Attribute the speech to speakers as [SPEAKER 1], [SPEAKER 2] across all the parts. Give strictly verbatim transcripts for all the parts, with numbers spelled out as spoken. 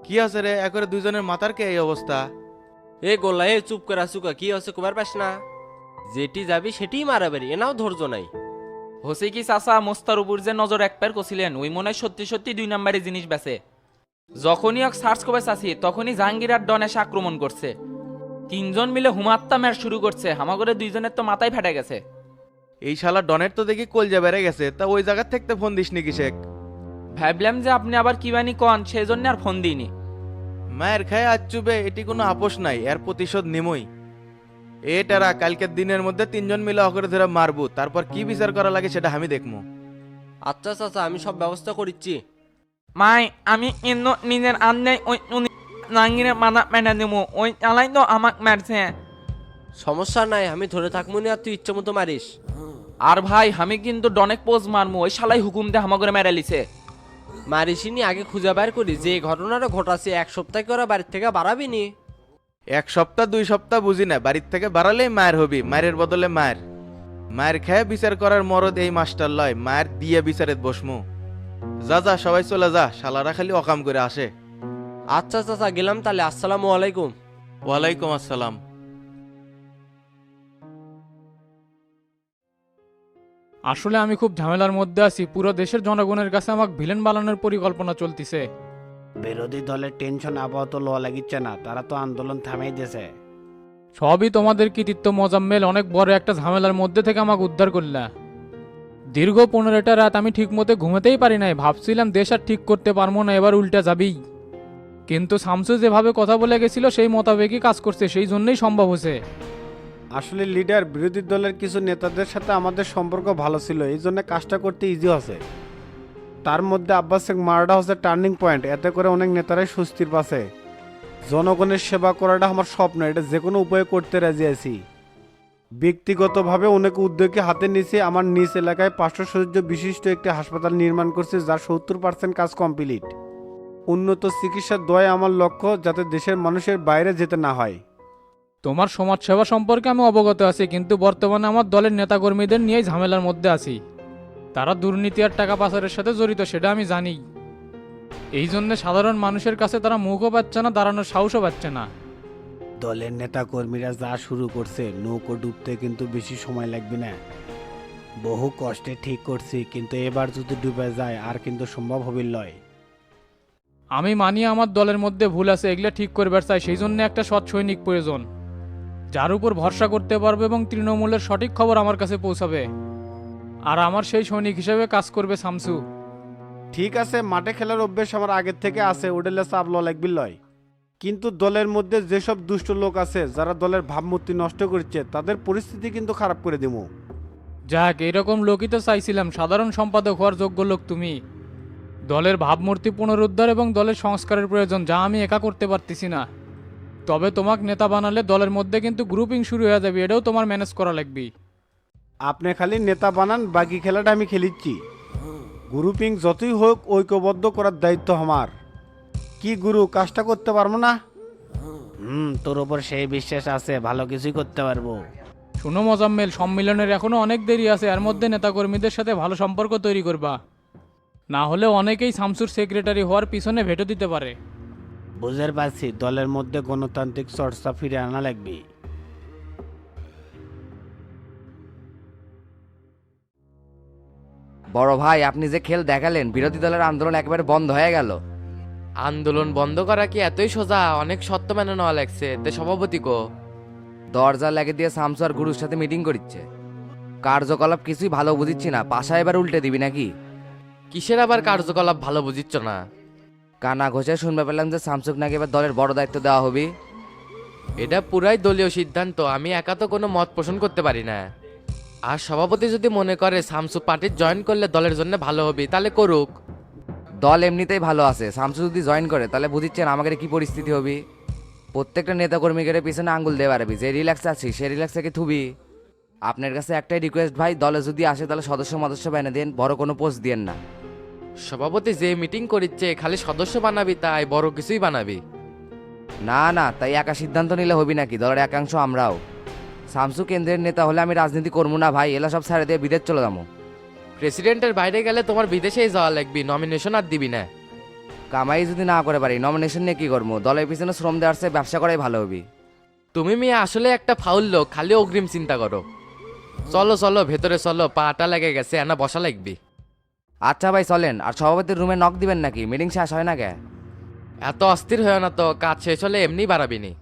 [SPEAKER 1] কি আছে রে, একরে দুইজনের মাথার কে এই অবস্থা?
[SPEAKER 2] এ গোল্লা এ চুপ করে আসুকা কি হচ্ছে কুমার পাস না? যেটি যাবি সেটিই মারাবারি এনাও ধৈর্য নাই।
[SPEAKER 3] হোসে কি চাচা মোস্তার উপর যে নজর একবার কছিলেন ওই মনে হয় সত্যি সত্যি দুই নাম্বারে জিনিস বেছে। যখনই এক সার্চ করে চাচ্ছি তখনই জাহাঙ্গীর আর ডন এসে আক্রমণ করছে। তিনজন মিলে হুমাত্তা ম্যাচ শুরু করছে, হামাগরে দুইজনের তো মাথায় ফেটে গেছে।
[SPEAKER 1] এই শালা ডনের তো দেখি কলজা বেড়ে গেছে, তা ওই জায়গার থেকে ফোন দিস নাকি শেখ?
[SPEAKER 3] ভাবলাম যে আপনি আবার কি বানি কন, সেই জন্য আর ফোন দিইনি।
[SPEAKER 1] মায়ের খায় আজ চুবে, এটি কোনো আপোষ নাই, এর প্রতিশোধ নিমই। এটারা কালকের দিনের মধ্যে তিনজন মিলে অকরে ধরে মারবো, তারপর কি বিচার করা লাগে সেটা আমি দেখবো।
[SPEAKER 2] আচ্ছা চাচা আমি সব ব্যবস্থা করিচ্ছি।
[SPEAKER 3] মাই আমি ইন্ন নিজের আন্নে ওই জাহাঙ্গীরের মাথা মেনে দেবো, ওই চালাই তো আমাক মারছে।
[SPEAKER 2] সমস্যা নাই আমি ধরে থাকবো না, আর তুই ইচ্ছে মতো মারিস।
[SPEAKER 3] আর ভাই আমি কিন্তু ডনেক পোজ মারমু, ওই শালাই হুকুম দিয়ে হামাগরে মেরে লিছে।
[SPEAKER 2] মারিসিনি আগে খুঁজে বের করি যে ঘটনাটা ঘটাছে, এক সপ্তাহ করে বাড়ির থেকে বাড়াবি নি।
[SPEAKER 1] এক সপ্তাহ দুই সপ্তাহ বুঝি না, বাড়ির থেকে বাড়ালেই মায়ের হবি, মায়ের বদলে মায়ের। মায়ের খেয়ে বিচার করার মরদ এই মাস্টার লয়, মায়ের দিয়ে বিচারে বসমু। যা যা সবাই চলে যা, শালারা খালি অকাম করে আসে।
[SPEAKER 2] আচ্ছা চাচা গেলাম তাহলে, আসসালামু আলাইকুম।
[SPEAKER 1] ওয়ালাইকুম আসসালাম।
[SPEAKER 4] আসলে আমি খুব ঝামেলার মধ্যে আছি, পুরো দেশের জনগণের কাছে আমাকে ভিলেন বানানোর পরিকল্পনা চলতিছে।
[SPEAKER 5] বিরোধী দলের টেনশন আপাতত লো লাগিচ্ছে না, তারা তো আন্দোলন থামিয়ে দিয়েছে।
[SPEAKER 4] সবই তোমাদের কৃতিত্ব মোজাম্মেল, অনেক বড় একটা ঝামেলার মধ্যে থেকে আমাকে উদ্ধার করলা। দীর্ঘ পনেরোটা রাত আমি ঠিক মতো ঘুমাতেই পারি নাই, ভাবছিলাম দেশ আর ঠিক করতে পারবো না, এবার উল্টা যাবেই। কিন্তু শামসু যেভাবে কথা বলে গেছিল সেই মোতাবেকই কাজ করছে, সেই জন্যই সম্ভব হয়েছে।
[SPEAKER 5] আসলে লিডার বিরোধী দলের কিছু নেতাদের সাথে আমাদের সম্পর্ক ভালো ছিল, এই জন্য কাজটা করতে ইজি আছে। তার মধ্যে আব্বাস শেখ মারাটা হচ্ছে টার্নিং পয়েন্ট, এতে করে অনেক নেতারাই স্বস্তির পাশে। জনগণের সেবা করাটা আমার স্বপ্ন, এটা যে কোনো উপায়ে করতে রাজি আছি। ব্যক্তিগতভাবে অনেক উদ্যোগকে হাতে নিয়েছি, আমার নিজ এলাকায় পাঁচশো সদস্য বিশিষ্ট একটি হাসপাতাল নির্মাণ করছে, যার সত্তর পার্সেন্ট কাজ কমপ্লিট। উন্নত চিকিৎসার দয় আমার লক্ষ্য, যাতে দেশের মানুষের বাইরে যেতে না হয়।
[SPEAKER 4] তোমার সমাজসেবা সম্পর্কে আমি অবগত আছি, কিন্তু বর্তমানে আমার দলের নেতাকর্মীদের নিয়েই ঝামেলার মধ্যে আছি। তারা দুর্নীতি আর টাকা পাচারের সাথে জড়িত, সেটা আমি জানি। এই জন্য সাধারণ মানুষের কাছে তারা মুখও পাচ্ছে না, দাঁড়ানোর সাহসও পাচ্ছে না।
[SPEAKER 5] দলের নেতা কর্মীরা যা শুরু করছে, নৌকো ডুবতে কিন্তু বেশি সময় লাগবে না। বহু কষ্টে ঠিক করছি, কিন্তু এবার যদি ডুবে যায় আর কিন্তু সম্ভব হবে লয়।
[SPEAKER 4] আমি মানি আমার দলের মধ্যে ভুল আছে, এগুলো ঠিক করবার চাই, সেই জন্য একটা সৎ সৈনিক প্রয়োজন, যার উপর ভরসা করতে পারবে এবং তৃণমূলের সঠিক খবর আমার কাছে পৌঁছাবে। আর আমার সেই সৈনিক হিসেবে কাজ করবে শামসু।
[SPEAKER 5] ঠিক আছে, মাঠে খেলার অভ্যেস আমার আগের থেকে আছে, ওডেলে চাপ ল লাগবে লয়। কিন্তু দলের মধ্যে যেসব দুষ্ট লোক আছে যারা দলের ভাবমূর্তি নষ্ট করছে, তাদের পরিস্থিতি কিন্তু খারাপ করে দেবো।
[SPEAKER 4] যাক, এরকম লোকই তো চাইছিলাম, সাধারণ সম্পাদক হওয়ার যোগ্য লোক তুমি। দলের ভাবমূর্তি পুনরুদ্ধার এবং দলের সংস্কারের প্রয়োজন, যা আমি একা করতে পারতেছি না। তবে তোমাকে নেতা বানালে দলের মধ্যে কিন্তু গ্রুপিং শুরু হয়ে যাবে, এটাও তোমার ম্যানেজ করা লাগবে।
[SPEAKER 5] আপনি খালি নেতা বানান, বাকি খেলাটা আমি খেলিচ্ছি। গ্রুপিং যতই হোক ঐক্যবদ্ধ করার দায়িত্ব আমার। কি গুরু, কাজটা করতে পারবো না? হুম, তোর ওপর সেই বিশ্বাস আছে, ভালো কিছুই করতে পারবো।
[SPEAKER 4] শুনো মোজাম্মেল, সম্মেলনের এখনো অনেক দেরি আছে, এর মধ্যে নেতাকর্মীদের সাথে ভালো সম্পর্ক তৈরি করবা, না হলে অনেকেই শামসুর সেক্রেটারি হওয়ার পিছনে ভেটো দিতে পারে।
[SPEAKER 5] বুঝতে পারছি, দলের মধ্যে গণতান্ত্রিক চর্চা ফিরে আনা লাগবে।
[SPEAKER 6] বড় ভাই, আপনি যে খেল দেখালেন, বিরোধী দলের আন্দোলন একেবারে বন্ধ হয়ে গেল।
[SPEAKER 7] আন্দোলন বন্ধ করা কি এতই সোজা? অনেক সত্য মেনে নেওয়া লাগছে। তে সভাপতি কো?
[SPEAKER 6] দরজা লাগিয়ে দিয়ে শামসু আর গুরুর সাথে মিটিং করছে। কার্যকলাপ কিছুই ভালো বুঝিচ্ছি না, পাশা এবার উল্টে দিবি নাকি?
[SPEAKER 7] কিসের আবার কার্যকলাপ ভালো বুঝিচ্ছ না?
[SPEAKER 6] কানা ঘষে শুনতে পেলাম যে শামসুক নাকি এবার দলের বড় দায়িত্ব দেওয়া হবে।
[SPEAKER 7] এটা পুরাই দলীয় সিদ্ধান্ত, আমি একা তো কোনো মত পোষণ করতে পারি না। আর সভাপতি যদি মনে করে শামসু পার্টির জয়েন করলে দলের জন্য ভালো হবে, তাহলে করুক।
[SPEAKER 6] দল এমনিতেই ভালো আছে, শামসু যদি জয়েন করে তাহলে বুঝিচ্ছেন আমাদের কি পরিস্থিতি হবে। প্রত্যেকটা নেতাকর্মীদের পিছনে আঙ্গুল দিয়ে পারবি, যে রিল্যাক্স আছি সে রিল্যাক্স থেকে থুবি। আপনার কাছে একটাই রিকোয়েস্ট ভাই, দলে যদি আসে তাহলে সদস্য মদস্য বানিয়ে দেন, বড় কোনো পোস্ট দিয়েন না।
[SPEAKER 7] সভাপতি যে মিটিং করিচ্ছে খালি সদস্য বানাবি, তাই বড় কিছুই বানাবি
[SPEAKER 6] না না, তাই একা সিদ্ধান্ত নিলে হবি নাকি? দলের একাংশ আমরাও। শামসু কেন্দ্রের নেতা হলে আমি রাজনীতি করবো না ভাই, এলা সব ছেড়ে দিয়ে বিদেশ চলে যাবো।
[SPEAKER 7] প্রেসিডেন্টের বাইরে গেলে তোমার বিদেশেই যাওয়া লাগবি, নমিনেশন আর দিবি না।
[SPEAKER 6] কামাই যদি না করে পারি নমিনেশন নিয়ে কি করবো? দলের পিছনে শ্রম দেওয়ার চেয়ে ব্যবসা করাই ভালো হবে।
[SPEAKER 7] তুমি মেয়ে আসলে একটা ফাউল লোক, খালি অগ্রিম চিন্তা করো। চলো চলো ভেতরে চলো, পাটা লেগে গেছে, এনা বসা লাগবি।
[SPEAKER 6] আচ্ছা ভাই চলেন। আর সভাপতির রুমে নক দিবেন নাকি? মিটিং শেষ হয় না কে?
[SPEAKER 7] এত অস্থির হয় না তো, কাজ শেষ হলে এমনি বাড়াবিনি।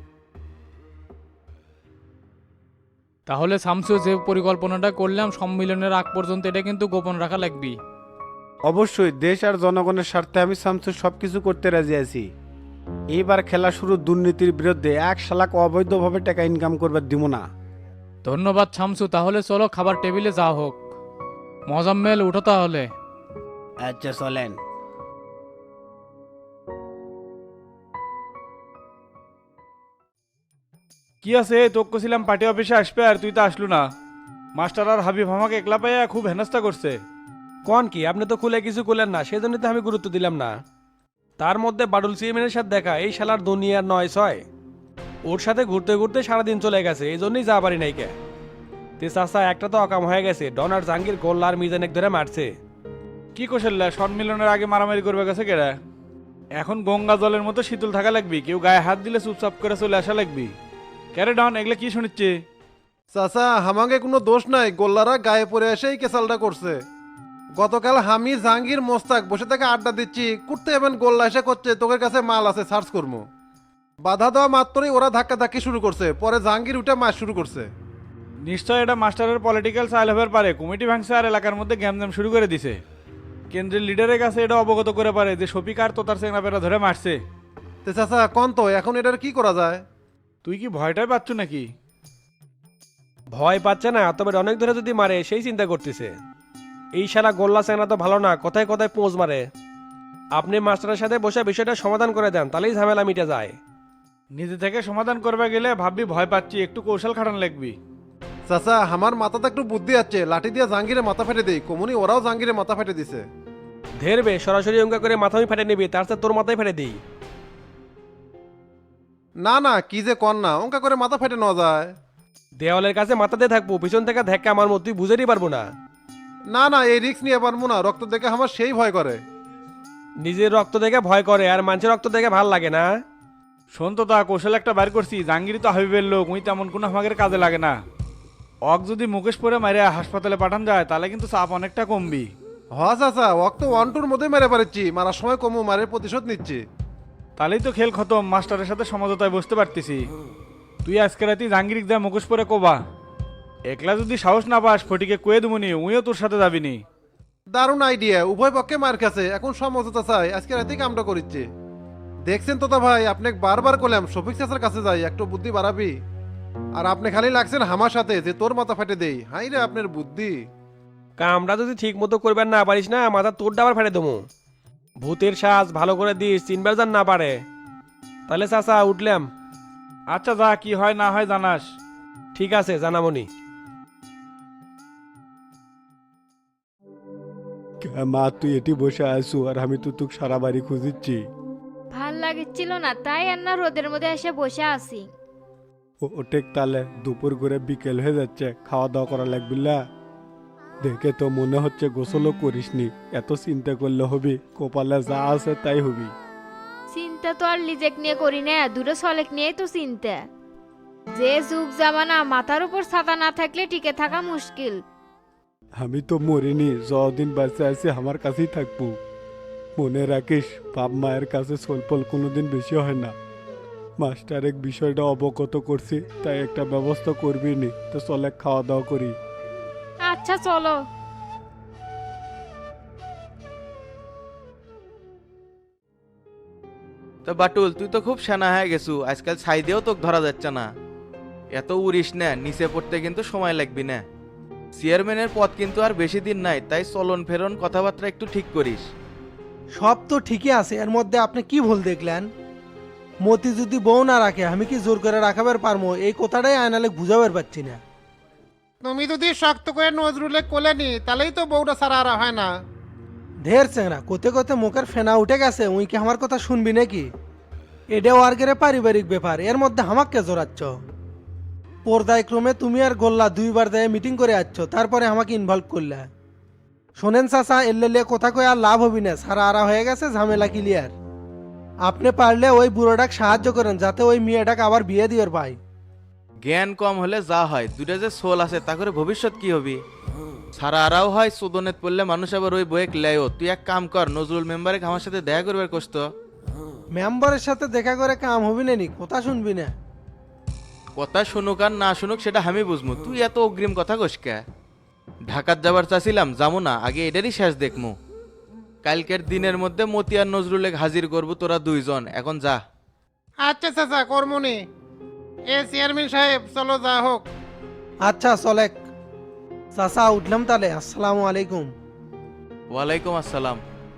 [SPEAKER 4] তাহলে শামসু যে পরিকল্পনাটা করলাম সম্মিলনের আগ পর্যন্ত এটা কিন্তু গোপন রাখা লাগবে।
[SPEAKER 5] অবশ্যই দেশ আর জনগণের স্বার্থে আমি শামসু সব কিছু করতে রাজি আছি। এইবার খেলা শুরু দুর্নীতির বিরুদ্ধে, এক শালাক অবৈধভাবে টাকা ইনকাম করবার দিব না।
[SPEAKER 4] ধন্যবাদ শামসু, তাহলে চলো খাবার টেবিলে যা হোক। মোজাম্মেল উঠো তাহলে।
[SPEAKER 5] আচ্ছা চলেন।
[SPEAKER 8] কি আছে তোকে ছিলাম পার্টি অফিসে আসবে আর তুই তো আসলু না। মাস্টার আর হাবিব আমাকে একলা পাইয়া খুব হেনস্থা করছে।
[SPEAKER 9] কোন কি আপনি তো খুলে কিছু করলেন না, সেজন্য তো আমি গুরুত্ব দিলাম না। তার মধ্যে বাডুল চেয়ারম্যানের সাথে দেখা, এই শালার দুনিয়ার নয় ছয়। ওর সাথে ঘুরতে ঘুরতে সারাদিন চলে গেছে, এই জন্যই যা পারি নাই কে। তে চাচা একটা তো অকাম হয়ে গেছে, ডন আর জাহাঙ্গীর গোল্লা আর মিজানেক ধরে মারছে।
[SPEAKER 8] কি কোশাল্লা সম্মিলনের আগে মারামারি করবে গেছে কেরা? এখন গঙ্গা জলের মতো শীতল থাকা লাগবি, কেউ গায়ে হাত দিলে চুপচাপ করে চলে আসা লাগবি। ক্যারে ডন এগুলা কি শুনিচ্ছে?
[SPEAKER 10] চাচা হামাগে কোনো দোষ নাই, গোল্লারা গায়ে পড়ে এসেই কেসালটা করছে। গতকাল আমি জাহাঙ্গীর মোস্তাক বসে থেকে আড্ডা দিচ্ছি, করতে এবেন গোল্লা এসে করছে তোদের কাছে মাল আছে সার্চ করবো। বাধা দেওয়া মাত্রই ওরা ধাক্কা ধাক্কি শুরু করছে, পরে জাহাঙ্গীর উঠে মাছ শুরু করছে।
[SPEAKER 8] নিশ্চয় এটা মাস্টারের পলিটিক্যাল চাইল হবার পারে, কমিটি ভাঙছে আর এলাকার মধ্যে গ্যামজাম শুরু করে দিছে। কেন্দ্রের লিডারের কাছে এটা অবগত করে পারে যে শফিক আর তোতার চেংড়াপেরা ধরে মারছে।
[SPEAKER 10] তে চাচা কন তো এখন এটার কি করা যায়?
[SPEAKER 8] তুই কি ভয়টাই পাচ্ছ নাকি?
[SPEAKER 9] ভয় পাচ্ছে না, তবে অনেক ধরে যদি মারে সেই চিন্তা করতেছে। এই শালা গোল্লা চেংড়া তো ভালো না, কথায় কথায় পোঁজ মারে। আপনি মাস্টারের সাথে বসে বিষয়টা সমাধান করে দেন, তাহলেই ঝামেলা মিটে যায়।
[SPEAKER 8] নিজে থেকে সমাধান করবে গেলে ভাববি ভয় পাচ্ছি, একটু কৌশল খাটান লাগবি।
[SPEAKER 10] চাচা আমার মাথাতে একটু বুদ্ধি আছে, লাঠি দিয়ে জাহাঙ্গীরে মাথা ফেটে দেই, কমুনি ওরাও জাহাঙ্গীরে মাথা ফেটে দিছে।
[SPEAKER 9] ধেরবে সরাসরি অঙ্কা করে মাথায় ফেটে নিবি, তার সাথে তোর মাথায় ফেটে দিই।
[SPEAKER 10] না না কি যে কন না, অঙ্কা করে মাথা ফেটে নেওয়া যায়।
[SPEAKER 9] দেওয়ালের কাছে মাথা দিয়ে থাকবো, পিছন থেকে ধাক্কা আমার মতো তুই বুঝেরই পারবো না।
[SPEAKER 10] না না এই রিস্ক নিয়ে পারবো না, রক্ত দেখে আমার সেই ভয় করে।
[SPEAKER 9] নিজের রক্ত দেখে ভয় করে আর মানুষের রক্ত দেখে ভাল লাগে না।
[SPEAKER 8] শোন তো তা কৌশল একটা বার করছি, জাহাঙ্গীর তো হাবিবের লোক, উই তেমন কোনো আমাদের কাজে লাগে না। অক যদি মুকেশ পরে মারে হাসপাতালে পাঠান যায় তাহলে কিন্তু চাপ অনেকটা কমবি।
[SPEAKER 10] হ চাচা অক তো ওয়ান টুর মধ্যে মেরে পারছি, মারার সময় কমু মারের প্রতিশোধ নিচ্ছি।
[SPEAKER 8] তাহলেই তো খেল খতম, মাস্টারের সাথে সমঝোতায় বসতে পারতেছি। তুই আজকে রাতে জাহাঙ্গীর যা মুখোশ পরে কোবা, একলা যদি সাহস না পাস ফটিকে কয়ে দেবনি, উইও তোর সাথে যাবিনি।
[SPEAKER 10] দারুণ আইডিয়া, উভয় পক্ষে মার খাচ্ছে, এখন সমঝোতা চাই, আজকে রাতেই কামটা করিচ্ছে। দেখছেন তোতা ভাই, আপনাকে বারবার করলাম শফিক চাচার কাছে যাই, একটু বুদ্ধি বাড়াবি। আর আপনি খালি লাগছেন আমার সাথে যে তোর মাথা ফেটে দেই। হাই রে আপনার বুদ্ধি।
[SPEAKER 9] কামটা যদি ঠিক মতো করবেন না পারিস না, মাথা তোর ডাবার ফেটে দেবো। ভূতের সাজ ভালো করে দিস, চিনবার যান না পারে। তাহলে চাচা উঠলাম।
[SPEAKER 8] আচ্ছা যা, কি হয় না হয় জানাস।
[SPEAKER 9] ঠিক আছে জানামনি।
[SPEAKER 5] মা তুই এটি বসে আসু আর আমি তো তোকে সারা বাড়ি খুঁজিচ্ছি।
[SPEAKER 11] ভাল লাগছিল না, তাই আর না রোদের মধ্যে এসে বসে আছি।
[SPEAKER 5] ওটেক তাহলে দুপুর করে বিকেল হয়ে যাচ্ছে, খাওয়া দাওয়া করা লাগবে না? দেখে তো মনে হচ্ছে গোসলও করিসনি, এত চিন্তা করলে হবি? কপালে যা আছে তাই হবি।
[SPEAKER 11] চিন্তা তো আর লিজেক নিয়ে করি না, দূরে সলেক নিয়েই তো চিন্তা। যে যুগ জামানা, মাথার উপর ছাতা না থাকলে টিকে থাকা মুশকিল।
[SPEAKER 5] আমি তো মরিনি, যতদিন বাঁচে আছি আমার কাছেই থাকবো। মনে রাখিস বাপ মায়ের কাছে সলপল কোনোদিন বেশি হয় না। মাস্টার এক বিষয়টা অবগত করছি, তাই একটা ব্যবস্থা করবি নি, তো চলে খাওয়া দাওয়া করি।
[SPEAKER 11] আচ্ছা চলো।
[SPEAKER 1] তো বাটুল তুই তো খুব সেনা হয়ে গেছু, আজকাল ছাই দিয়েও তোকে ধরা যাচ্ছে না। এত উড়িস না, নিচে পড়তে কিন্তু সময় লাগবি না। চেয়ারম্যানের পদ কিন্তু আর বেশি দিন নাই, তাই চলন ফেরন কথাবার্তা একটু ঠিক করিস।
[SPEAKER 12] সব তো ঠিকই আছে, এর মধ্যে আপনি কি ভুল দেখলেন? মতি যদি বউ না রাখে আমি কি জোর করে রাখাবার পারবো? এই কথাটাই আয়নালে বুঝাবার পারছি না।
[SPEAKER 10] তুমি যদি শক্ত করে নজরুলে কোলে নি তাহলেই তো বউটা সারা আর হয় না।
[SPEAKER 12] ঢের চেংরা কোতে কোতে মুখের ফেনা উঠে গেছে, উই কি আমার কথা শুনবি নাকি? এটা ওয়ার্কের পারিবারিক ব্যাপার, এর মধ্যে আমাকে জোরাচ্ছ। পর্দায় ক্রমে তুমি আর গোল্লা দুইবার দেয় মিটিং করে আসছো, তারপরে আমাকে ইনভলভ করলে। শোনেন চাচা, এল্লে কথা কয়ে আর লাভ হবি না, সারা আরা হয়ে গেছে, ঝামেলা ক্লিয়ার। আপনি পারলে ওই বুড়োটাকে সাহায্য করেন যাতে ওই মেয়েটাকে আবার বিয়ে দিবার পাই।
[SPEAKER 1] জ্ঞান কম হলে যা হয়, দুটা যে সোল আছে তা করে ভবিষ্যৎ কি হবি? সারা আরাও হয় সুদনেত পড়লে মানুষ আবার ওই বইয়ে লেও। তুই এক কাম কর, নজরুল মেম্বারে আমার সাথে দেখা করবার কষ্ট।
[SPEAKER 12] মেম্বারের সাথে দেখা করে কাম হবি না নি, কথা শুনবি না।
[SPEAKER 1] কথা শুনুক আর না শুনুক সেটা আমি বুঝমু, তুই এত অগ্রিম কথা কসকে। ঢাকাত যাবার চাচ্ছিলাম, যাবো না, আগে এটারই শেষ দেখমু। কালকের দিনের মধ্যে মতি আর নজরুলে হাজির করবো, তোরা দুইজন এখন যা।
[SPEAKER 10] আচ্ছা চাচা, কর্মনি এ চেয়ারম্যান সাহেব, চলো যা হোক।
[SPEAKER 12] আচ্ছা চলেক। চাচা উঠলাম তাহলে, আসসালামু আলাইকুম।
[SPEAKER 1] ওয়ালাইকুম আসসালাম।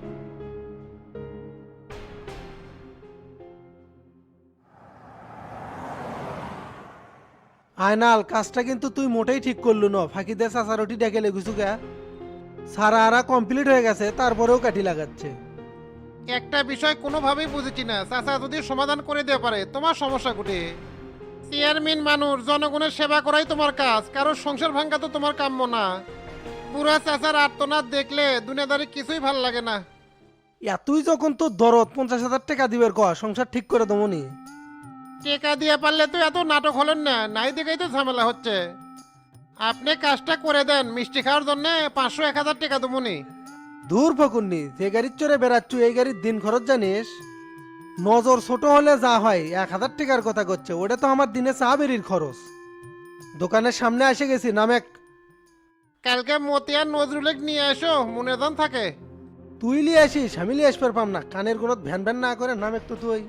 [SPEAKER 12] আয়নাল, কাজটা কিন্তু তুই মোটেই ঠিক করলু না, ফাঁকি দে চাচা রুটি ডেকে লেগুছু গা। সারা আরা কমপ্লিট হয়ে গেছে, তারপরেও কাঠি লাগাচ্ছে।
[SPEAKER 10] একটা বিষয় কোনোভাবেই বুঝেছি না, চাচা যদি সমাধান করে দিতে পারে তোমার সমস্যা কুটে। চেয়ারম্যান মানুষ, জনগণের সেবা করাই তোমার কাজ, কারোর সংসার ভাঙ্গা তো তোমার কাম্য না। পুরা চাচার আর্তনাদ দেখলে দুনিয়াদারি কিছুই ভাল লাগে না।
[SPEAKER 12] ইয়া তুই যখন তোর দরদ পঞ্চাশ হাজার টাকা দিবের কয়, সংসার ঠিক করে দমনি।
[SPEAKER 10] টেকা দিয়ে পারলে তো এত নাটক হলেন না, নাই দেখেই তো ঝামেলা হচ্ছে। আপনি কাজটা করে দেন, মিষ্টি খাওয়ার জন্য পাঁচশো এক হাজার টাকা দেবনি।
[SPEAKER 12] দূর ফকুননি, যে গাড়ির চড়ে বেড়াচ্ছু এই গাড়ির দিন খরচ জানিস? নজর ছোট হলে যা হয়, এক হাজার টাকার কথা করছে, ওটা তো আমার দিনে চা বেরির খরচ। দোকানের সামনে এসে গেছি, নামেক।
[SPEAKER 10] কালকে মতিয়ার নজরুলেক নিয়ে এসো, মনে দান থাকে।
[SPEAKER 12] তুই লিয়ে আসিস, আমি লিয়ে আসতে পারপাম না, কানের গুণত ভ্যান ভ্যান না করে নামেক তো তুই।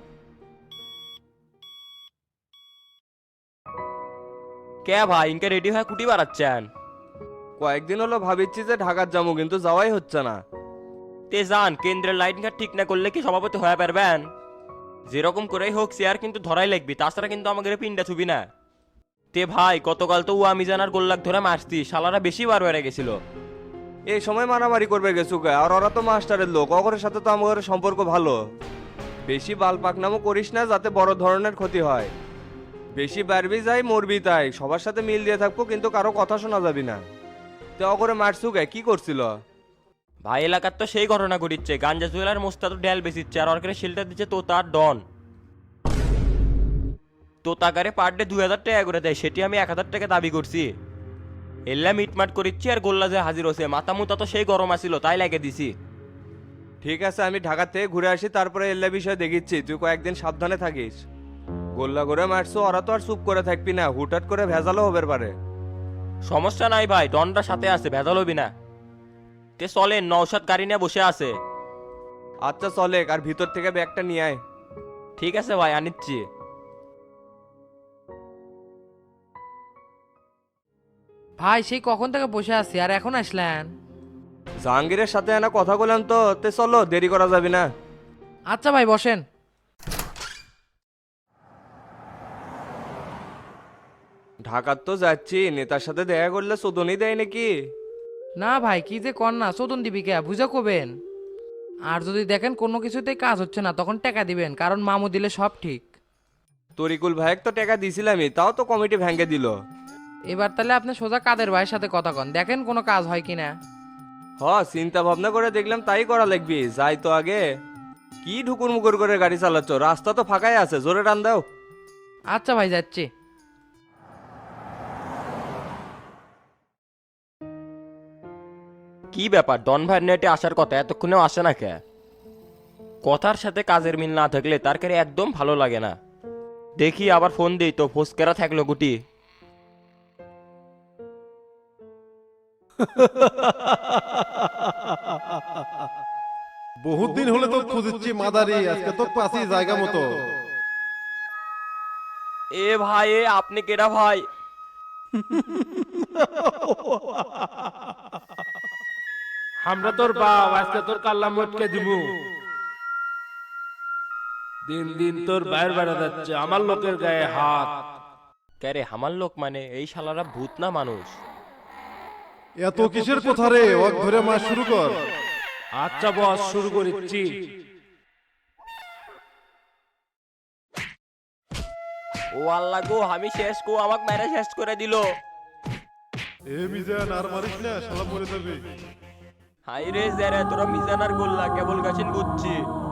[SPEAKER 2] কে ভাই, ইনকে রেডি হয়ে কুটি বাড়াচ্ছেন?
[SPEAKER 13] কয়েকদিন হলো ভাবিচ্ছি যে ঢাকার যাবো, কিন্তু যাওয়াই হচ্ছে না।
[SPEAKER 2] তে যান, কেন্দ্রের লাইন ঘাট ঠিক না করলে কি সভাপতি হয়ে পারবেন? যেরকম করেই হোক চেয়ার কিন্তু ধরাই লাগবি, তাছাড়া কিন্তু আমাদের পিন্ডা ছুবি না। তে ভাই, গতকাল তো ও আমি জানার গোল্লাক ধরে মারতি, শালারা বেশি বার বেড়ে গেছিল।
[SPEAKER 13] এই সময় মারামারি করবে গেছু গে, আর ওরা তো মাস্টারের লোক, অগরের সাথে তো আমাদের সম্পর্ক ভালো। বেশি বাল পাকনামো করিস না, যাতে বড় ধরনের ক্ষতি হয়। বেশি বাড়বি যাই, মরবি তাই, সবার সাথে মিল দিয়ে থাকবো, কিন্তু কারো কথা শোনা যাবি না। তো অগরে মারছু গে, কি করছিল?
[SPEAKER 2] ভাই, এলাকার তো সেই ঘটনা ঘটিচ্ছে, গাঞ্জা জুয়েলার মোস্তা তো ডেল বেচিচ্ছে, আর ওর শিলটা দিচ্ছে তো তার ডন। তো তাকারে পার ডে দুই হাজার টাকা করে দেয়, সেটি আমি এক হাজার টাকা দাবি করছি। এল্লা মিটমাট করিচ্ছি, আর গোল্লা যে হাজির হচ্ছে, মাথা মুতা তো সেই গরম আসিল, তাই লাগে দিছি।
[SPEAKER 13] ঠিক আছে, আমি ঢাকা থেকে ঘুরে আসি, তারপরে এল্লা বিষয় দেখিচ্ছি, তুই কয়েকদিন সাবধানে থাকিস। গোল্লা করে মারছো, ওরা তো আর চুপ করে থাকবি না, হুটহাট করে ভেজালও হবার পারে।
[SPEAKER 2] সমস্যা নাই ভাই, ডনটা সাথে আছে, ভেজাল হবি না। তে চলেন, নওশাদ গাড়ি নিয়ে বসে আছে।
[SPEAKER 13] আচ্ছা চলে, আর ভিতর থেকে ব্যাগটা নিয়ে আয়।
[SPEAKER 2] ঠিক আছে ভাই, আনিচ্ছি।
[SPEAKER 7] ভাই, সেই কখন থেকে বসে আছি, আর এখন আসলেন?
[SPEAKER 13] জাহাঙ্গীরের সাথে এনা কথা বললাম তো, তে চলো, দেরি করা যাবে না।
[SPEAKER 7] আচ্ছা ভাই, বসেন।
[SPEAKER 13] ঢাকার তো যাচ্ছি, নেতার সাথে দেখা করলে চোদনই দেয় নাকি?
[SPEAKER 7] না ভাই, কি যে কর না, চোদন দিবি কে, বুঝা কবেন। আর যদি দেখেন কোনো কিছুতেই কাজ হচ্ছে না, তখন টাকা দিবেন, কারণ মামু দিলে সব ঠিক।
[SPEAKER 13] তরিকুল ভাইক তো টাকা দিছিলামই, তাও তো কমিটি ভেঙে দিল।
[SPEAKER 7] এবার তাহলে আপনি সোজা কাদের ভাইয়ের সাথে কথা কন, দেখেন কোনো কাজ হয় কিনা।
[SPEAKER 13] হ, চিন্তা ভাবনা করে দেখলাম তাই করা লাগবি, যাই তো আগে। কি ঢুকুর মুকুর করে গাড়ি চালাচ্ছ, রাস্তা তো ফাঁকাই আছে, জোরে টান দাও।
[SPEAKER 7] আচ্ছা ভাই, যাচ্ছি।
[SPEAKER 2] কি ব্যাপার, ডন ভাই নেটে আসার কথা, এতক্ষণেও আসে না কে? কথার সাথে কাজের মিল না থাকলে তার কাছে একদম ভালো লাগে না। দেখি আবার ফোন দিই তো, ফোসকেরা থাকলো গুটি।
[SPEAKER 10] বহুত দিন হলে তো খুঁজছি মাদারি, আজকে তো পাচ্ছি জায়গা মতো।
[SPEAKER 2] এ ভাই, এ আপনি কেডা ভাই?
[SPEAKER 9] আমরা তোর বাপ, আজকে তোর কাল্লা মটকে দিব। দিন দিন তোর বাইরে বেড়া যাচ্ছে, আমার লোকের গায়ে হাত।
[SPEAKER 2] কে রে, আমার লোক মানে? এই শালারা ভূত না মানুষ?
[SPEAKER 10] এত কিসের কথা রে, ওকে ধরে মার শুরু কর।
[SPEAKER 9] আচ্ছা বস, শুরু করিচ্ছি।
[SPEAKER 2] ও আল্লাহ গো, আমি শেষ গো, আমাকে মেরে শেষ করে দিল।
[SPEAKER 10] এ মিজান, আর মারিস না, শালা মরে যাবে।
[SPEAKER 2] হাই রে যারা তোরা মিজানার গোল্লা কেবল গাছিন বুঝছি